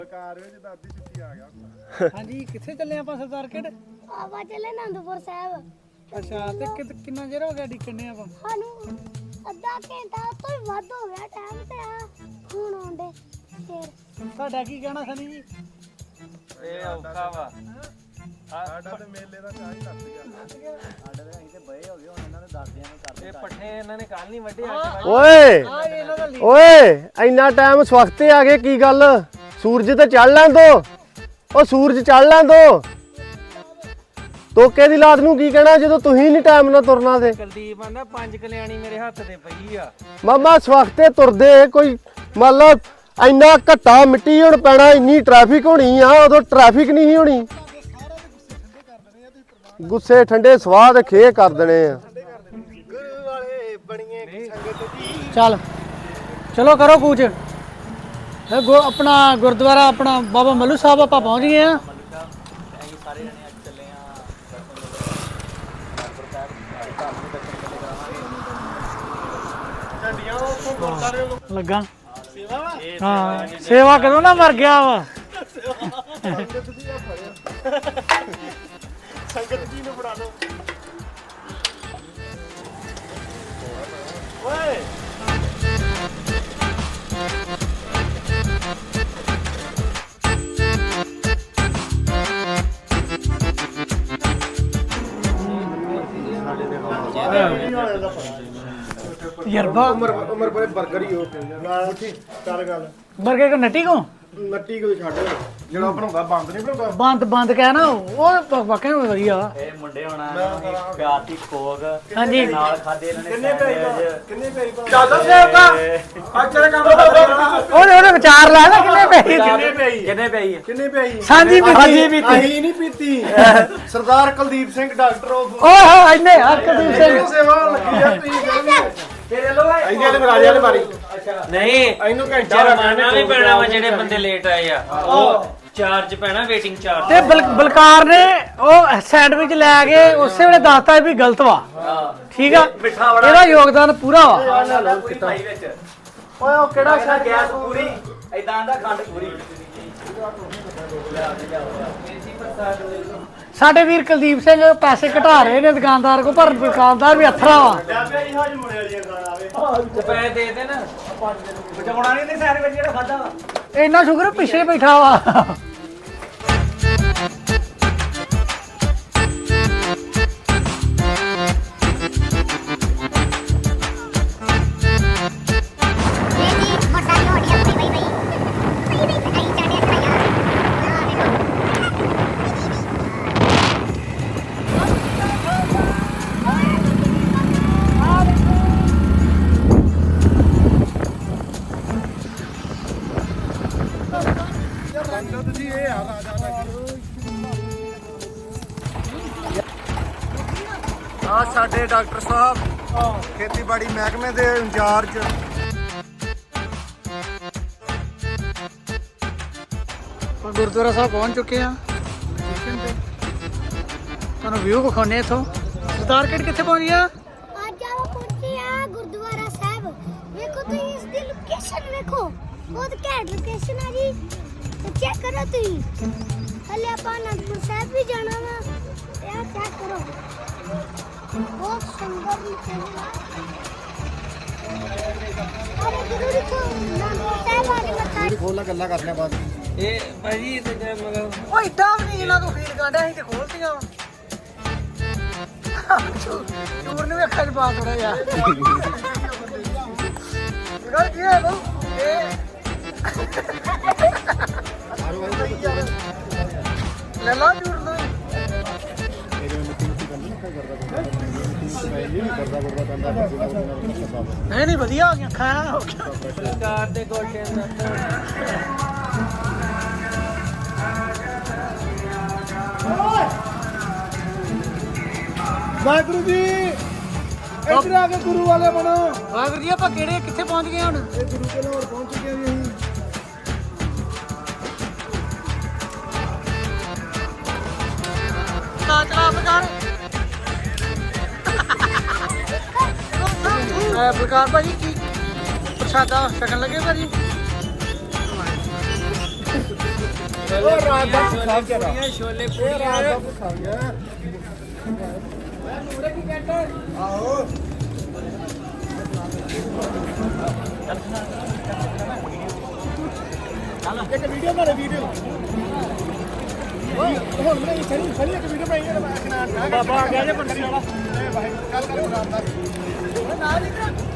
ਹਾਂਜੀ ਕਿੱਥੇ ਚੱਲੇ ਆਪਾਂ ਸਰਦਾਰ ਕਿਹੜੇ ਆਪਾਂ ਚੱਲੇ ਅਨੰਦਪੁਰ ਸਾਹਿਬ। ਅੱਛਾ ਤੇ ਕਿੰਨਾ ਚਿਰ ਹੋ ਗਿਆ ਡਿੱਕਣੇ ਆਪਾਂ ਸਾਨੂੰ ਅੱਧਾ ਘੰਟਾ ਤੋਂ ਵੀ ਵੱਧ ਹੋ ਗਿਆ ਟਾਈਮ ਤੇ ਆ ਹੁਣ ਆਉਂਦੇ ਫੇਰ ਤੁਹਾਡਾ ਕੀ ਕਹਿਣਾ ਸਨੀ ਜੀ ਇਹ ਔਖਾ ਵਾ ਸਾਡਾ ਤੇ ਮੇਲੇ ਦਾ ਚਾਹ ਹੀ ਲੱਗ ਗਿਆ। ਸਾਡੇ ਤੇ ਅਸੀਂ ਤੇ ਬਏ ਹੋ ਗਏ ਹੁਣ ਇਹਨਾਂ ਦੇ ਦਾਦਿਆਂ ਨੇ ਕਰਦੇ ਇਹ ਪੱਠੇ ਇਹਨਾਂ ਨੇ ਕੱਲ ਨਹੀਂ ਵੱਢੇ ਓਏ ਆ ਇਹਨਾਂ ਦਾ ਓਏ ਇੰਨਾ ਟਾਈਮ ਸਵਖਤੇ ਆ ਗਏ ਕੀ ਗੱਲ ਸੂਰਜ ਤੇ ਚੜ ਲੈਣ ਦੋ ਉਹ ਸੂਰਜ ਚੜ ਲੈਣ ਦੋ ਤੋਕੇ ਦੀ ਲਾਤ ਨੂੰ ਕੀ ਕਹਿਣਾ ਜਦੋਂ ਤੁਸੀਂ ਨਹੀਂ ਟਾਈਮ ਨਾਲ ਤੁਰਨਾ ਤੇ ਕੁਲਦੀਪ ਆਂਦਾ 5 ਕਲਿਆਣੀ ਮੇਰੇ ਹੱਥ ਤੇ ਪਈ ਆ ਮਾਮਾ ਸਵਖਤੇ ਤੁਰਦੇ ਕੋਈ ਮੰਨ ਲਓ ਇੰਨਾ ਘੱਟਾ ਮਿੱਟੀ ਹੁਣ ਪੈਣਾ ਇੰਨੀ ਟ੍ਰੈਫਿਕ ਹੋਣੀ ਆ ਉਦੋਂ ਟ੍ਰੈਫਿਕ ਨਹੀਂ ਹੋਣੀ ਗੁੱਸੇ ਠੰਡੇ ਸਵਾਹ ਤੇ ਖੇ ਕਰ ਦੇਣੇ ਆ ਗੁਰੂ ਵਾਲੇ ਬਣੀਏ ਸੰਗਤ ਦੀ। ਚੱਲ ਚਲੋ ਕਰੋ ਕੂਚ ਆਪਣਾ ਗੁਰਦੁਆਰਾ ਆਪਣਾ ਬਾਬਾ ਮੱਲੂ ਸਾਹਿਬ ਆਪਾਂ ਪਹੁੰਚ ਗਏ ਆ ਅਸੀਂ ਸਾਰੇ ਜਣੇ ਅੱਜ ਚੱਲੇ ਆ ਝੰਡੀਆਂ ਉੱਥੋਂ ਗੁਰਦਾਰੇ ਲੱਗਾ ਹਾਂ ਸੇਵਾ ਕਦੋਂ ਨਾ ਮਰ ਗਿਆ ਵਾ ਸੰਗਤ ਜੀ ਨੂੰ ਬਣਾ ਦੋ ਓਏ ਯਰਬਾ ਉਮਰ ਬੜੇ ਬਰਗਰ ਹੀ ਹੋ ਉੱਠੀ ਚੱਲ ਗੱਲ ਬਰਗੇ ਕੋ ਨੱਟੀ ਕੋ ਨੱਟੀ ਕੋਈ ਛੱਡ ਜਿਹੜਾ ਬਣਾਉਂਦਾ ਬੰਦ ਨਹੀਂ ਬਣਾਉਂਦਾ ਬੰਦ ਕਹਿ ਨਾ ਉਹ ਵਾਕਿਆ ਵਧੀਆ ਵਾ ਇਹ ਮੁੰਡੇ ਹੋਣਾ ਪਿਆਤੀ ਖੋਗ ਹਾਂਜੀ ਨਾਲ ਖਾਦੇ ਇਹਨਾਂ ਨੇ ਕਿੰਨੇ ਪੈਰੀ ਚੱਲ ਸੇਵਕਾ ਅੱਜ ਤੇਰੇ ਕੰਮ ਉਹਦੇ ਵਿਚਾਰ ਲੈ ਲੈ ਕਿੰਨੇ ਪੈਸੇ ਕਿੰਨੇ ਪਈ ਸਾਂਝੀ ਪੀਤੀ ਅਸੀਂ ਨਹੀਂ ਪੀਤੀ ਸਰਦਾਰ ਕੁਲਦੀਪ ਸਿੰਘ ਡਾਕਟਰ ਓਹ ਇੰਨੇ ਹਰਕਦੀਪ ਸਿੰਘ ਸੇਵਾ ਲੱਗੀ ਆ ਤੁਸੀਂ ਕਹਿੰਦੇ ਤੇਰੇ ਲੋ ਇਹਦੇ ਵਾਲੇ ਰਾਜੇ ਵਾਲੇ ਮਾਰੀ ਨਹੀਂ ਇਹਨੂੰ ਘੰਟਾ ਜਰਮਾਨਾ ਵੀ ਪੈਣਾ ਵਾ ਜਿਹੜੇ ਬੰਦੇ ਲੇਟ ਆਏ ਆ ਉਹ ਚਾਰਜ ਪੈਣਾ ਵੇਟਿੰਗ ਚਾਰਜ ਤੇ ਬਲਕਾਰ ਨੇ ਉਹ ਸੈਂਡਵਿਚ ਲੈ ਕੇ ਉਸੇ ਵੇਲੇ ਦੱਸਤਾ ਵੀ ਗਲਤ ਵਾ ਠੀਕ ਆ ਇਹਦਾ ਯੋਗਦਾਨ ਪੂਰਾ ਵਾ ਓਏ ਉਹ ਕਿਹੜਾ ਸ਼ਾ ਗੈਸ ਪੂਰੀ ਐਦਾਂ ਦਾ ਖੰਡ ਪੂਰੀ ਸਾਡੇ ਵੀਰ ਕੁਲਦੀਪ ਸਿੰਘ ਪੈਸੇ ਘਟਾ ਰਹੇ ਨੇ ਦੁਕਾਨਦਾਰ ਕੋ ਪਰ ਦੁਕਾਨਦਾਰ ਵੀ ਅਥਰਾ ਵਾ ਪੈਸੇ ਦੇ ਦੇ ਨਾ ਬਚਾਉਣਾ ਨਹੀਂ ਤੇ ਸੈਂਡਵਿਚ ਜਿਹੜਾ ਖਾਦਾ ਵਾ ਇੰਨਾ ਸ਼ੁਕਰ ਪਿੱਛੇ ਬੈਠਾ ਵਾ ਸੰਗਤ ਜੀ ਇਹ ਆ ਰਾਜਾ ਆ ਸਾਡੇ ਡਾਕਟਰ ਸਾਹਿਬ ਖੇਤੀਬਾੜੀ ਮਹਿਕਮੇ ਦੇ ਇੰਚਾਰਜ ਗੁਰਦੁਆਰਾ ਸਾਹਿਬ ਪਹੁੰਚ ਚੁੱਕੇ ਆ ਤੁਹਾਨੂੰ ਵਿਊ ਵਿਖਾਉਣੇ ਇਥੋਂ ਸਰਦਾਰ ਕਿੱਥੇ ਪਹੁੰਚ ਗਿਆ ਅੱਜ ਆਪਾਂ ਪਹੁੰਚੇ ਆ ਗੁਰਦੁਆਰਾ ਸਾਹਿਬ। ਵੇਖੋ ਤੁਸੀਂ ਇਸ ਦੀ ਲੋਕੇਸ਼ਨ ਵੇਖੋ ਬਹੁਤ ਘੈਂਟ ਲੋਕੇਸ਼ਨ ਆ ਜੀ ਤੇ ਚੈੱਕ ਕਰੋ ਤੁਸੀਂ ਹਲੇ ਆਪਾਂ ਅਨੰਦਪੁਰ ਸਾਹਿਬ ਵੀ ਜਾਣਾ ਵਾ ਤੇ ਆ ਚੈੱਕ ਕਰੋ ਬਹੁਤ ਸੁੰਦਰ ਲੋਕੇਸ਼ਨ ਅਰੇ ਗੁਰੂ ਜੀ ਕੋ ਅਨੰਦਪੁਰ ਸਾਹਿਬ ਆ ਕੇ ਮੱਥਾ ਖੋਲ ਗੱਲਾਂ ਕਰਨੇ ਬਾਅਦ ਇਹ ਭਾਜੀ ਤੇ ਮਗਰ ਓ ਇਦਾਂ ਵੀ ਨਹੀਂ ਇਹਨਾਂ ਤੋਂ ਫੀਲ ਕਾਂਡਿਆ ਅਸੀਂ ਤੇ ਖੋਲਤੀਆਂ ਚੂਰ ਨੇ ਵੀ ਅੱਖਾਂ 'ਚ ਪਾ ਥੋੜਾ ਜਿਹਾ ਗੱਲ ਕੀ ਹੈ ਬੋ ਇਹ ਲੈ ਲਾ ਚੂਰ ਨੂੰ ਨਹੀਂ ਵਧੀਆ ਹੋ ਗਿਆ ਖਾਣਾ ਹੋ ਗਿਆ ਸਰਕਾਰ ਦੇ ਗੋਡੇ ਵਾਹਿਗੁਰੂ ਜੀ ਇੱਧਰ ਆ ਕੇ ਗੁਰੂ ਵਾਲੇ ਬਣੋ ਵਾਹਿਗੁਰੂ ਜੀ ਆਪਾਂ ਕਿੱਥੇ ਪਹੁੰਚ ਗਏ ਹੁਣ ਇਹ ਗੁਰੂ ਕੇ ਲਾਹੌਰ ਪਹੁੰਚ ਚੁੱਕੇ ਹਾਂ ਜੀ ਅਸੀਂ ਚਲਾ ਬਕਾਰ ਬਲਕਾਰ ਭਾਜੀ ਕੀ ਪ੍ਰਸ਼ਾਦਾ ਛਕਣ ਲੱਗੇ ਭਾਜੀ ਉਹ ਰਾਤ ਦਾ ਭੁੱਖਾ ਵਿਚਾਰਾ ਛੋਲੇ ਪੂਰੀਆਂ ਰਾਤ ਦਾ ਭੁੱਖਾ ਗਿਆ ਆਹੋ ਇੱਕ ਵੀਡੀਓ ਬਣਾ ਵੀਡੀਓ ਹੁਣ ਮੈਂ ਖੜੀ ਇੱਕ ਵੀਡੀਓ ਬਣਾਈ ਬਾਬਾ ਆ ਗਿਆ ਜੇ ਬੰਦੀ ਵਾਲਾ ਗੱਲ ਕਰ ਰਾਤ ਦਾ ਨਾ ਜੀ